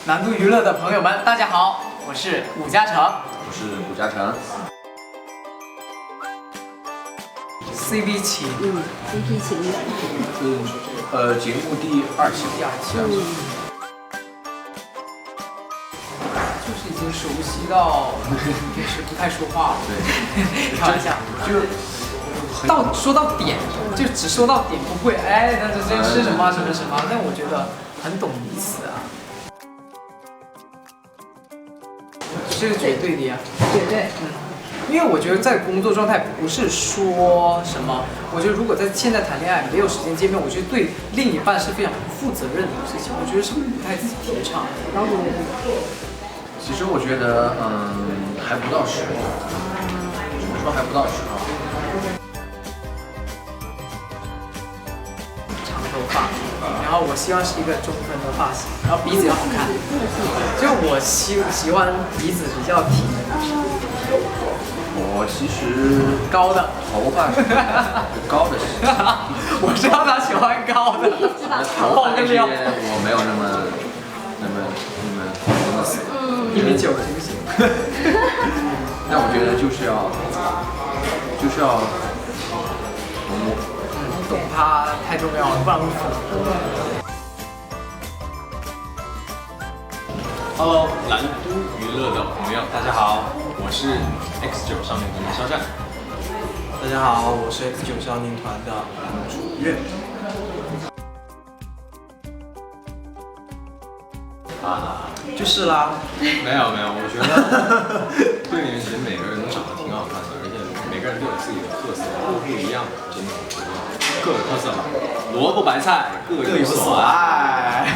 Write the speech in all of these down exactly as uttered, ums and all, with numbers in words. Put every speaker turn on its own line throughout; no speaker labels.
南都娱乐的朋友们，大家好，我是武嘉诚，
我是古嘉诚。
C B 情，
嗯 ，C P 情人，
嗯，呃，节目第二期，
第二期，
嗯，
就是已经熟悉到平时不太说话了，
对，
开玩笑，
就
到说到点，就只说到点，不会哎，那这这是什么什么什么？但我觉得很懂彼此啊，这是绝对的呀，
绝对，
嗯。因为我觉得在工作状态不是说什么，我觉得如果在现在谈恋爱没有时间见面，我觉得对另一半是非常不负责任的一个事情，我觉得是不太提倡的。
然后
其实我觉得，嗯，还不到时候，怎么说还不到时候？
长头发，然后我希望是一个中分的发型，然后鼻子要好看，就我喜喜欢鼻子比较挺的女生。
我其实
高的，
头发是高的是，
我知道他喜欢高的，
头发这些我没有那么那么那么那么死，
一米九行不行？
但我觉得就是要就是要懂我，
懂他太重要了，不然会疯。
Hello， 蓝都娱乐的朋友，大家好，我是 X 九少年团的肖战。
大家好，我是 X 九少年团的楚月。
啊，
就是啦，
没有没有，我觉得对你们其实每个人都长得挺好看的，而且每个人都有自己的特色，都不一样，真的，各有特色嘛。萝卜白菜各有所爱。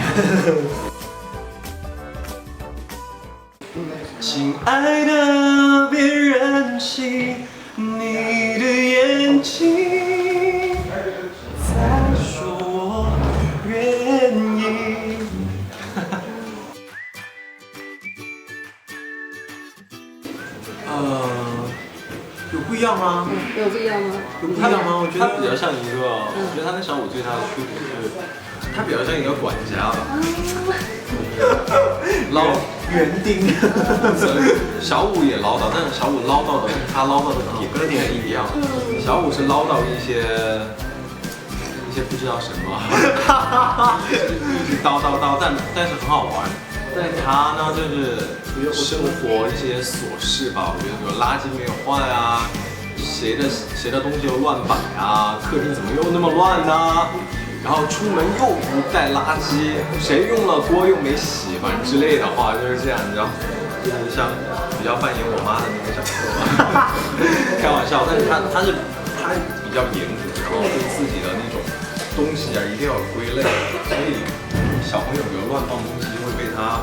亲爱的，别任性，你的眼睛在说我愿意。
呃，有不一样吗？
有不一样吗？
有不一样吗？我觉得
他比较像一个，我觉得他跟小五最大的区别是，他比较像一个管家吧，唠
园丁，
小五也唠叨，但是小五唠叨的他唠叨的点跟点一样，小五是唠叨一些一些不知道什么，一直叨叨叨，但但是很好玩。但他呢，就是生活一些琐事吧，我觉得比如垃圾没有换啊，谁的谁的东西又乱摆啊，客厅怎么又那么乱呢、啊？然后出门又不带垃圾，谁用了锅又没洗，反正之类的话就是这样，你知道，就是像比较扮演我妈的那个角色吧，开玩笑，但是他他是他比较严格，然后对自己的那种东西啊一定要有归类，所以小朋友比如乱放东西就会被他。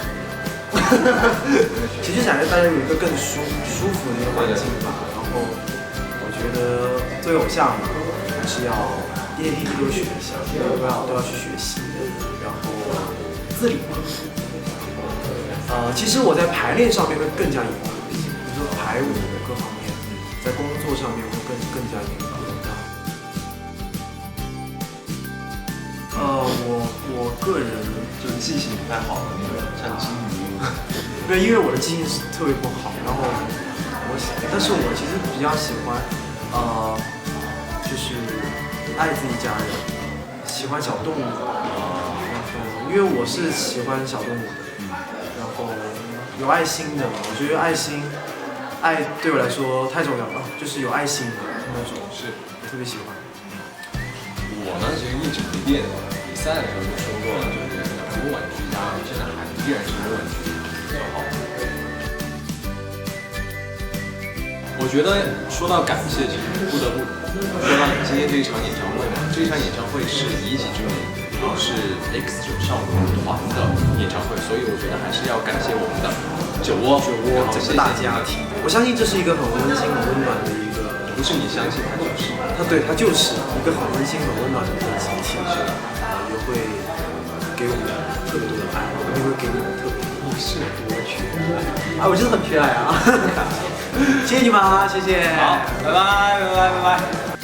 其实想让大家有一个更舒舒服的一个环境吧。然后我觉得作为偶像嘛，还是要一点一滴都学一下，都要都要去学习，然后自理。呃，其实我在排练上面会更加严格一些，比如说排舞各方面，在工作上面会更更加严格。呃，我我个人
就是记性不太好的那种，像金鱼。
对，因为我的记性是特别不好，然后我喜，但是我其实比较喜欢，呃，就是爱自己家人，喜欢小动物，然后因为我是喜欢小动物的，然后有爱心的，我觉得爱心，爱对我来说太重要了，就是有爱心的那种，
是
我特别喜欢。
我呢，其实一直不变。比赛的时候就说过了，就是稳稳居家，现在还依然是稳稳居家就好。我觉得说到感谢，其实不得不说到今天这一场演唱会嘛。这一场演唱会是一己之名，然后是 X 九少年团的演唱会，所以我觉得还是要感谢我们的酒窝，
酒窝整个大家庭。我相信这是一个很温馨、很温暖的一个，
不是你相信它就是，
它对它就是一个很温馨、很温暖的一个集体，也会给我们特别多的爱，也会给你们特别多的是多缺爱啊！我真的很缺爱啊！谢谢你们啊，谢谢。
好，拜拜，拜拜，拜拜。